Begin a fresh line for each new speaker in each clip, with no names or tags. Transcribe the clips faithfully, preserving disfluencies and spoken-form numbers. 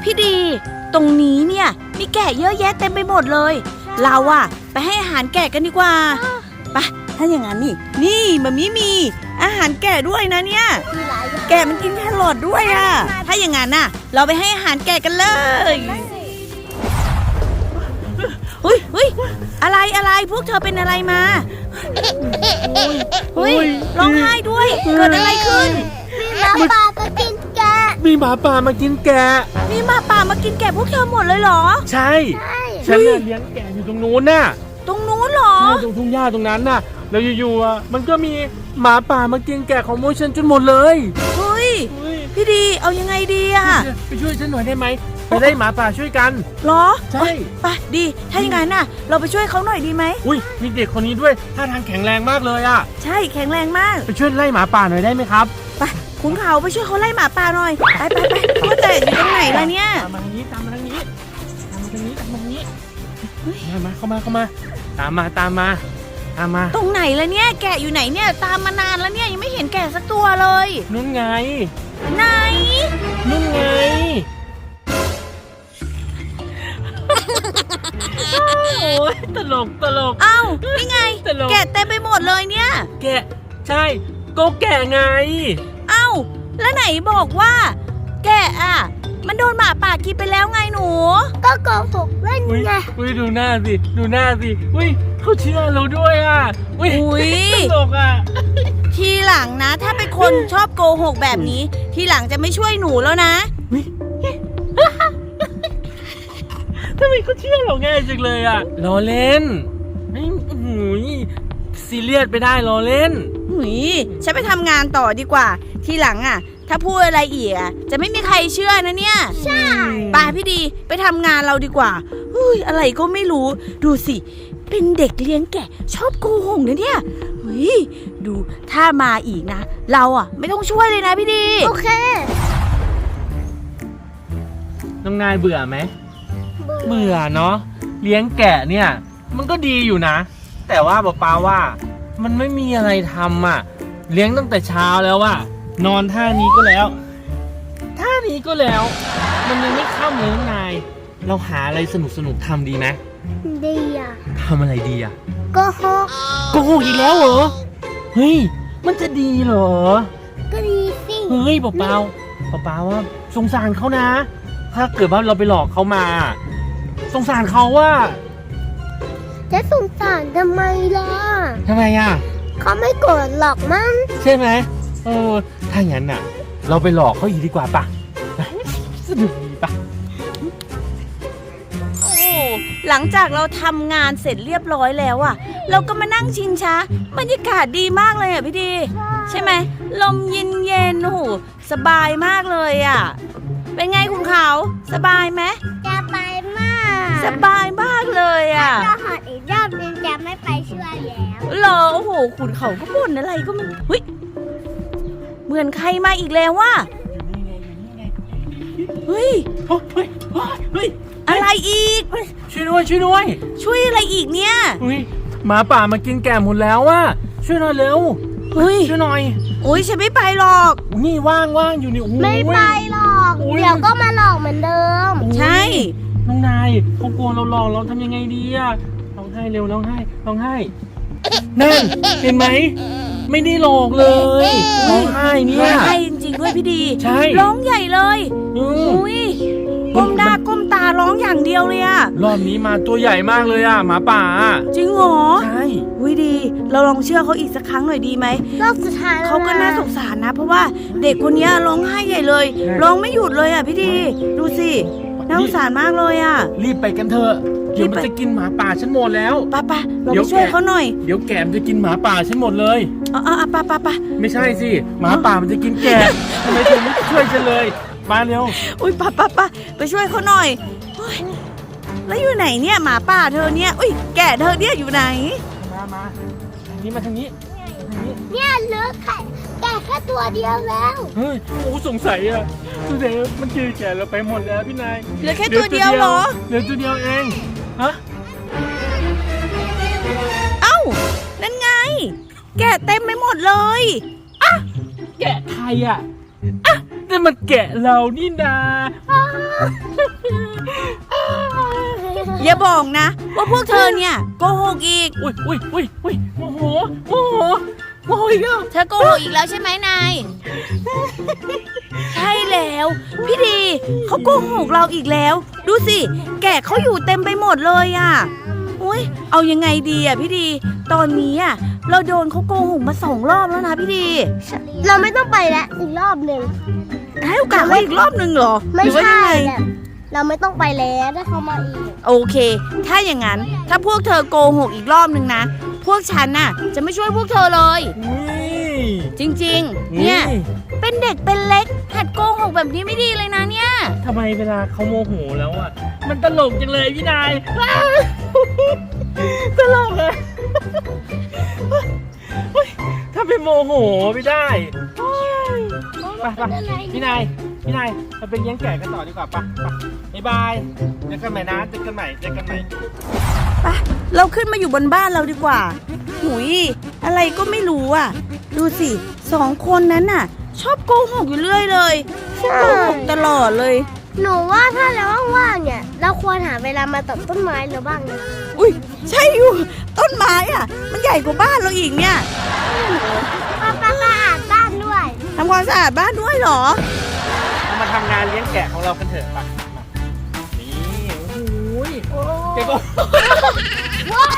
พี่ดีตรงนี้เนี่ยมีแกะเยอะแยะเต็มไปหมดเลยเราอะไปให้อาหารแกะกันดีกว่าไปถ้าอย่างนั้นนี่นี่มันมีมีอาหารแกะด้วยนะเนี่ยแกะมันกินแครอทด้วยอะถ้าอย่างนั้นน่ะเราไปให้อาหารแกะกันเลยเฮ้ยเฮ้ยอะไรอะไรพวกเธอเป็นอะไรมาเฮ้ยร้องไห้ด้วยเกิดอะไรขึ้น
มีหมาป่ามากินแกะ
มีหมาป่ามากินแกะ
มีหมาป่ามากินแกะพวกเธอหมดเลยเหรอ
ใช่ฉันเลี้ยงแกะอยู่ตรงนู้นน่ะ
ตรงนู้นเหรอ
ตรงทุ่งหญ้าตรงนั้นน่ะแล้วอยู่ๆอ่ะมันก็มีหมาป่ามากินแกะของโมฉันจนหมดเลย
เฮ้ยพี่ดีเอายังไงดีอะ
ไปช่วยฉันหน่อยได้ไหมไปได้หมาป่าช่วยกัน
เหรอ
ใช่
ไปดีถ้าอย่างนั้นน่ะเราไปช่วยเขาหน่อยดีไหม
อุ้ยมีเด็กคนนี้ด้วยท่าทางแข็งแรงมากเลยอ่ะ
ใช่แข็งแรงมาก
ไปช่วยไล่หมาป่าหน่อยได้ไหมครับ
ไปขุนเขาไปช่วยเขาไล่หมาป่าหน่อยไปไปไปว่าแต่อยู่ตรงไหนล่ะเนี่ย
ตามมาทางนี้ตามมาทางนี้ตามมาทางนี้ตามมาทางนี้มามาเข้ามาเข้ามาตามมาตามมาตามมา
ตรงไหนล่ะเนี่ยแกะอยู่ไหนเนี่ยตามมานานแล้วเนี่ยยังไม่เห็นแกะสักตัวเลย
นู่นไง
ไหน
นู่นไงโอ้ยตลกตลก
เอ้านี่ไงแกะเต็มไปหมดเลยเนี่ย
แกะใช่ก็แกะไง
เอ้าแล้วไหนบอกว่าแกะอ่ะมันโดนหมาป่ากินไปแล้วไงหนู
ก็โกหกเล่นไง
อุ้ยดูหน้าสิดูหน้าสิอุ้ยเขาเชื่อเราด้วยอ่ะอุ้ยตลกอ่ะ
ทีหลังนะถ้าเป็นคนชอบโกหกแบบนี้ทีหลังจะไม่ช่วยหนูแล้วนะ
ทำไมเขาเชื่อเราง่ายจังเลยอ่ะล้อเล่นไม่หูยซีเรียสไปได้ล้อเล่น
หุยฉันไปทำงานต่อดีกว่าทีหลังอ่ะถ้าพูดอะไรอีกอ่ะจะไม่มีใครเชื่อนะเนี่ย
ใช่
ป่าพี่ดีไปทำงานเราดีกว่าเฮ้ยอะไรก็ไม่รู้ดูสิเป็นเด็กเลี้ยงแกะชอบโกหกนะเนี่ยเฮ้ยดูถ้ามาอีกนะเราอ่ะไม่ต้องช่วยเลยนะพี่ดี
โอเค
น้องนายเบื่อไหมเบื่อเนาะเลี้ยงแกะเนี่ยมันก็ดีอยู่นะแต่ว่าป้าป้าว่ามันไม่มีอะไรทำอ่ะเลี้ยงตั้งแต่เช้าแล้วว่านอนท่านี้ก็แล้วท่านี้ก็แล้วมันยังไม่ค่ำเลยน้องนายเราหาอะไรสนุกสนุกทำดีไหม
ดีอ่ะ
ทำอะไรดีอ่ะ
โกหก
โกหกอีกแล้วเหรอเฮ้ยมันจะดีเหรอ
ก็ดีสิ
เฮ้ยป้าป้าป้าป้าว่าสงสารเขานะถ้าเกิดว่าเราไปหลอกเขามาสงสารเขาว่า
จะสงสารทำไมล่ะ
ทำไมอ่ะ
เขาไม่โกรธหรอกมั้ง
ใช่ไหมเออถ้าอย่างนั้นน่ะเราไปหลอกเขาอีกดีกว่าป่ะสนุกดีป่ะ
โอ้หลังจากเราทำงานเสร็จเรียบร้อยแล้วอ่ะเราก็มานั่งชิงช้าบรรยากาศดีมากเลยอ่ะพี่ดีใช่ไหมลมเย็นเย็นโอ้โหสบายมากเลยอ่ะเป็นไงคุณเขาสบายไหม
สบายมาก
สบายมากเลยอ่ะ
ถ้าหอดอีกรอบนึงจะไม่ไปช่วยแล้ว
เหรอโอ้โหขุนเขาก็บ่นอะไรก็มันเฮ้ยเหมือนใครมาอีกแล้วว่ะเฮ้ย
เฮ้ยเฮ้ย
อะไรอีก
ช่วยด้วยช่วยด้วย
ช่วยอะไรอีกเนี่ย
เฮ้ยหมาป่ามากินแกะหมดแล้วว่ะช่วยหน่อยเร็ว
เฮ้ย
ช่วยหน่อย
โอ้ยฉันไม่ไปหรอก
นี่ว่างว่างอยู่นี่
ไม่ไปหรอกเดี๋ยวก็มาหลอกเหมือนเดิม
ใช่
น้องนายเขากลัวเราหลอกเราทำยังไงดีอะร้องไห้เร็วร้องไห้ร้องไห้นั่นเห็นไหมไม่ได้หลอกเลยร้องไห้เนี่ย
ร้องไห้จริงๆด้วยพี่ดี
ใช่
ร้องใหญ่เลยอุ้ยก้มหน้าก้มตาร้องอย่างเดียวเลยอะ
รอบนี้มาตัวใหญ่มากเลยอะหมาป่า
จริงเหรอ
ใช่
อุ้ยดีเราลองเชื่อเขาอีกสักครั้งหน่อยดีไหม
รอบสุดท้าย
เขาก็น่าสงสารนะเพราะว่าเด็กคนนี้ร้องไห้ใหญ่เลยร้องไม่หยุดเลยอะพี่ดีดูสิน่าสงสารมากเลยอะ
รีบไปกันเถอะเดี๋ยวมันจะกินหมาป่าฉันหมดแล้ว
ป้าป้าเราไปช่วยเขาหน่อย
เดี๋ยวแกะมันจะกินหมาป่าฉันหมดเลย
อ๋ออ๋อป้าป้าป้า
ไม่ใช่สิหมาป่ามันจะกินแกะทำไมเธอไม่ช่วยฉันเลยมาเร็ว
อุ้ยป้าป้าป้าไปช่วยเขาหน่อยแล้วอยู่ไหนเนี่ยหมาป่าเธอเนี่ยอุ้ยแกะเธอเนี่ยอยู่ไหน
มามาทางนี้มาทางนี้
เนี่ยเหลือแค่แกะแค่ตัวเดียวแล้ว
เฮ้ยโอ้สงสัยอ่ะสงสัยมันกินแกะเราไปหมดแล้วพี่นาย
เหลือแค่ตัวเดียวเหรอ
เหลือตัวเดียวเองฮะ
เอ้านั่นไงแกะเต็มไปหมดเลย
อ่ะแกะใครอ่ะอ่ะแต่นั่นมันแกะเรานี่นา
อย่าบอกนะว่าพวกเธอเนี่ยโกหกอีก
อุ้ยอุ้ยอุ้ยอุ้ยโมโหโมโหโมโหอีกแล้ว
เธอโกหกอีกแล้วใช่ไหมนาย ใช่แล้วพี่ดีเขาโกหกเราอีกแล้ว ดูสิแกะเขาอยู่เต็มไปหมดเลยอ่ะอุ้ยเอายังไงดีอ่ะพี่ดีตอนนี้อ่ะเราโดนเขาโกหกมาสองรอบแล้วนะพี่ดี
เราไม่ต้องไปแล้วอีกรอบหนึ่ง
ให้โอกาสเขาอีกรอบหนึ่งเหรอ
ไม่
หรือว่า
ใช่
ยังไง
แบบเราไม่ต้องไปแล้วถ้าเขามาอีก
โอเค ถ้าอย่างนั้นถ้าพวกเธอโกหกอีกรอบหนึ่งนะพวกฉันน่ะจะไม่ช่วยพวกเธอเลย
อุ้ย
จริงๆเนี่ยเป็นเด็กเป็นเล็กหัดโกหกแบบนี้ไม่ดีเลยนะเนี่ย
ทำไมเวลาเขาโมโหแล้วอ่ะมันตลกจังเลยพี่นาย ตลกเลยเฮ้ยถ้าเป็นโมโหไม่ได้ไปไปพี่นายพี่นายเราไปเลี้ยงแกะกันต่อดีกว่าปะไปบ๊ายบายเจอกันใหม่นะเจอกันใหม่เจอกันใหม่
ไปเราขึ้นมาอยู่บนบ้านเราดีกว่าหุยอะไรก็ไม่รู้อ่ะ ดูสิสองคนนั้นน่ะ ชอบโกหกอยู่เรื่อยเลยโกหกตลอดเลย
หนูว่าถ้าเราว่างๆเนี่ยเราควรหาเวลามาตัดต้นไม้หรือบ้างนะ
อุ้ยใช่อยู่ต้นไม้อ่ะ มันใหญ่กว่าบ้านเราอีกเนี่ย
ป้าป้าป้าอ่านบ้านด้วย
ทำความสะอาดบ้านด้วยเหรอ
เรามาทำงานเลี้ยงแกะของเรากันเถอะปะมานี่โอ้โหเก็บ
ว้าย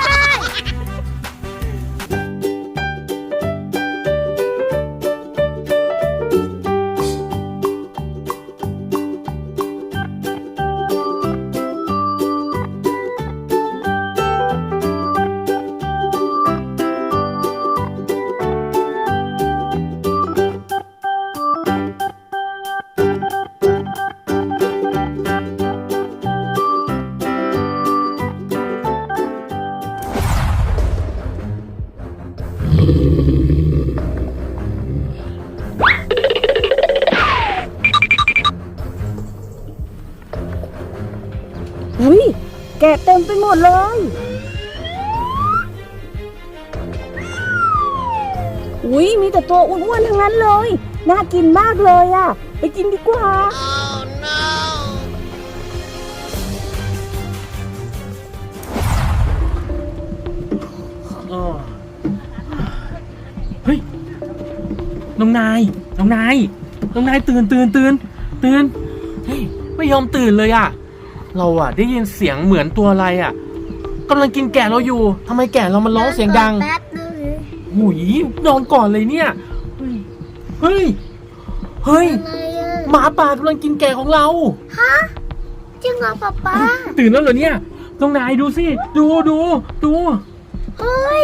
เฮ้ยแกะเต็มไปหมดเลย อุ้ยมีแต่ตัวอ้วนๆทั้งนั้นเลย น่ากินมากเลยอ่ะ ไปกินดีกว่า
อ๋อเฮ้ยน้องนายน้องนายน้องนายตื่นตื่นตื่นตื่นเฮ้ยไม่ยอมตื่นเลยอะเราอะได้ยินเสียงเหมือนตัวอะไรอะกำลังกินแกะเราอยู่ทำไมแกะเรามันร้องเสียงดัง
แป๊บนึง
หุยนอนก่อนเลยเนี่ยเฮ้ยเฮ้ยเฮ้ย
อะไรอะ
หมาป่ากำลังกินแกะของเรา
ฮะจริงเหรอป๊าป๊า
ตื่นแล้วเหรอเนี่ยน้องนายดูสิดูดูดู
เฮ้ย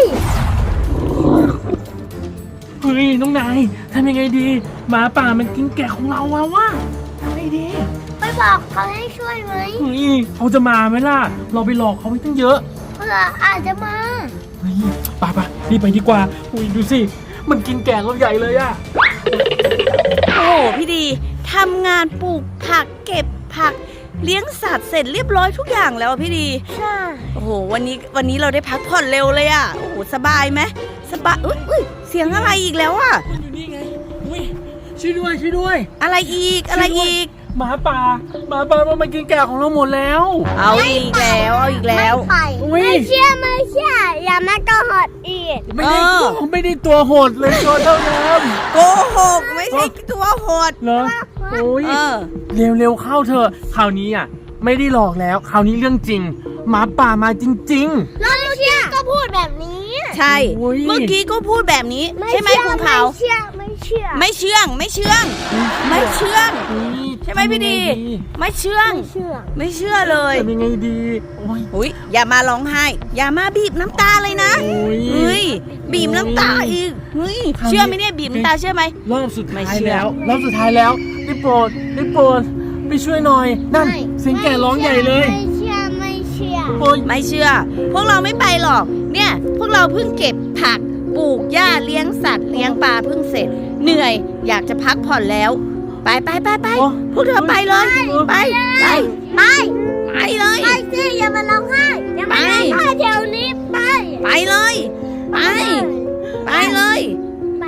เฮ้ยน้องนายทำยังไงดีหมาป่ามันกินแกะของเราอะวะทำไงดี
ไปบอกเขาให้ช่วยไหม
เฮ้ยเขาจะมาไหมล่ะ เราไปหลอกเขาไปตั้งเยอะ
เพื่ออาจจะมา
เฮ้ยไปไปรีบไปดีกว่าอุ้ยดูสิ มันกินแกะเราใหญ่เลยอะ
โอ้โหพี่ดีทำงานปลูกผักเก็บผักเลี้ยงสัตว์เสร็จเรียบร้อยทุกอย่างแล้วอะพี่ดี
ใช่
โอ้โหวันนี้วันนี้เราได้พักผ่อนเร็วเลยอ่ะโอ้โหสบายไหมสบายอุ้ยอุ้ยเสียงอะไรอีกแล้วอ่ะ
มันอยู่นี่ไงอุ้ยช่วยด้วยช่วยด้วย
อะไรอีกอะไรอีก
หมาป่าหมาป่ามันมากินแกะของเราหมดแล้ว
เอาอีกแล้วเอาอีกแล้ว
ไม่ไป
อุ๊ย
ไม่เชื่อไม่เชื่ออย่ามาโกหกอีก
ไม่ได้
เออ
ตัวไม่ได้ตัวโหดเลยตัวเท่าน้
โกหกไม่ใช่ตัวโหด
ำเหรอโอ้ย
เออ
เร็วๆเข้าเถอะคราวนี้อ่ะไม่ได้หลอกแล้วคราวนี้เรื่องจริงหมาป่ามาจริง
แล้วเมื่อกี้ก็พูดแบบนี้
ใช่
โอ้ย
เมื่อกี้ก็พูดแบบนี้ใช่ไหมคุณเขา
ไม่เชื่อไม่เชื่อ
ไม่เชื่องไม่เชื่อง ไม่เชื่อง
ๆอุ๊ย
ใช่ไหมพี่ดี ไม่เชื่อง
ไม่เชื่อ
ไม่เชื่อเลย
ทำยังไงดีโอ้ย
อุ้ยอย่ามาร้องไห้ อย่ามาบีบน้ำตาเลยนะ
โอ้ย
เฮ้ยบีบน้ำตาอีกเฮ้ย
คราวนี้
เชื่อไหมเนี่ยบีบน้ำตาเชื่อไหม
รอบสุดท้า
ไม่
ย
เชื่อ
แล้วรอบสุดท้ายแล้วได้โปรดได้โปรดไปช่วยหน่อยนั่นเสียงแก่ร้องใหญ่เลย
ไม่เชื่อไม่เชื่อ
โอ้ย
ไม่เชื่อ พวกเราไม่ไปหรอก เนี่ย พวกเราเพิ่งเก็บผัก ปลูกหญ้าเลี้ยงสัตว์เลี้ยงปลาเพิ่งเสร็จ เหนื่อย อยากจะพักผ่อนแล้ว ไปไปไปไป
โอ้
พวกเธอไปเลย ไป ไป
ไป
ไปเลย
ไปสิอย่ามาร้องไห้อย่ามาร้องไห้เดี๋ยวนี้ไป
ไปเลย ไป ไปเลย
ไป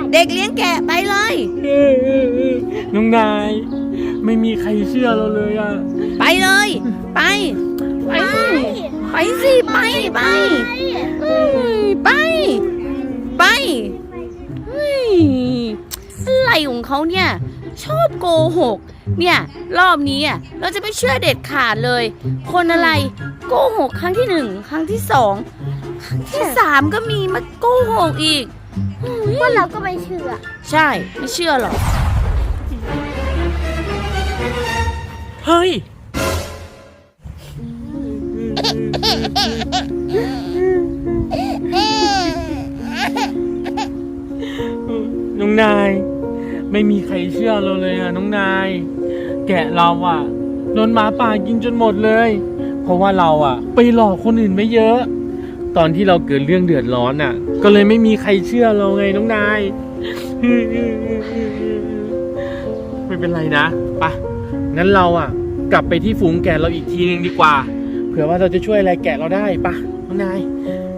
เด็กเลี้ยงแกะไปเลย
น้องนายไม่มีใครเชื่อเราเลยอ่ะ
ไปเลย ไป ไปสิไปสิไปไปเฮ้ยไป ไปเฮ้ยอะไรของเขาเนี่ย ชอบโกหก เนี่ยรอบนี้อ่ะเราจะไม่เชื่อเด็ดขาดเลย คนอะไรโกหกครั้งที่หนึ่งครั้งที่สองครั้งที่สามก็มีมาโกหกอีก
พวกเราก็ไม่เชื่อ
ใช่ไม่เชื่อหรอก
เฮ้ยน้องนายไม่มีใครเชื่อเราเลยอ่ะน้องนายแกะเราอ่ะโดนหมาป่ากินจนหมดเลย เพราะว่าเราอ่ะไปหลอกคนอื่นไม่เยอะ ตอนที่เราเกิดเรื่องเดือดร้อนอ่ะ ก็เลยไม่มีใครเชื่อเราไงน้องนายไม่เป็นไรนะไปงั้นเราอ่ะกลับไปที่ฝูงแกะเราอีกทีนึงดีกว่าเผื่อว่าเราจะช่วยอะไรแกะเราได้ปะน้องนาย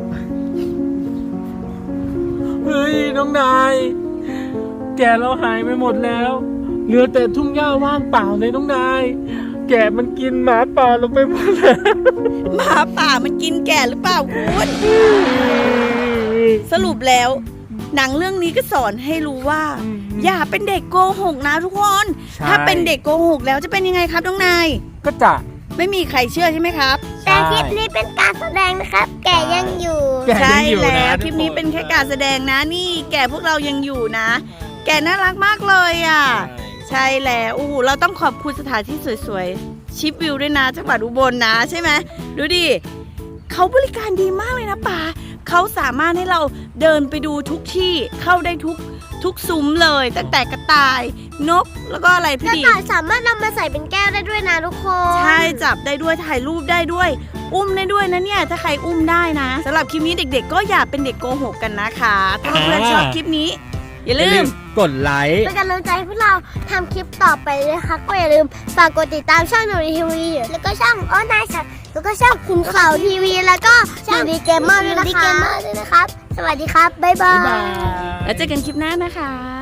เฮ้ยน้องนายแกะเราหายไปหมดแล้วเหลือแต่ทุ่งหญ้าว่างเปล่าเลยน้องนายแกะมันกินหมาป่าลงไปหมดแล้ว
หมาป่ามันกินแกะหรือเปล่าคุณสรุปแล้ว หนังเรื่องนี้ก็สอนให้รู้ว่า อย่าเป็นเด็กโกหกนะทุกคน ถ้าเป็นเด็กโกหกแล้วจะเป็นยังไงครับน้องนาย
ก็จะ
ไม่มีใครเชื่อใช่ไหมครับ
แต่คลิปนี้เป็นการแสดงนะครับ แกยังอยู่
แกะ
ใช่
ยังอยู่
แล้
นะ
วคลิปนี้เป็นแค่การแสดงนะนี่ แกพวกเรายังอยู่นะ แกน่ารักมากเลยอ่ะ ใช่แล้วโอ้โหเราต้องขอบคุณสถานที่สวยๆชิปวิวด้วยนะจังหวัดอุบลนะใช่ไหมดูดิเขาบริการดีมากเลยนะป่าเขาสามารถให้เราเดินไปดูทุกที่เข้าได้ทุกทุกซุ้มเลยตั้งแต่กระต่ายนกแล้วก็อะไรพี่
กระ
ดี
ต่ายสามารถนำมาใส่เป็นแก้วได้ด้วยนะทุกคน
ใช่จับได้ด้วยถ่ายรูปได้ด้วย อุ้มได้ด้วยนะเนี่ยถ้าใครอุ้มได้นะสำหรับคลิปนี้เด็กๆ ก็อย่าเป็นเด็กโกหกกันนะคะถ้าเพื่อนๆชอบคลิปนี้ อย่าลืม
กดไลค์
เป็นกำลังใจให้พวกเราทำคลิปต่อไปเลยนะคะก็อย่าลืมฝากกดติดตามช่องหนูดีทีวีแล้วก็ช่องโอ้นายสัตว์แล้วก็ช่องคุณข่าวทีวีแล้วก็ช่องดีเกมเมอร์ด้วยนะคะสวัสดีครับบ๊ายบา
บ๊ายบาย ย
แล้วเจอกันคลิปหน้านะคะ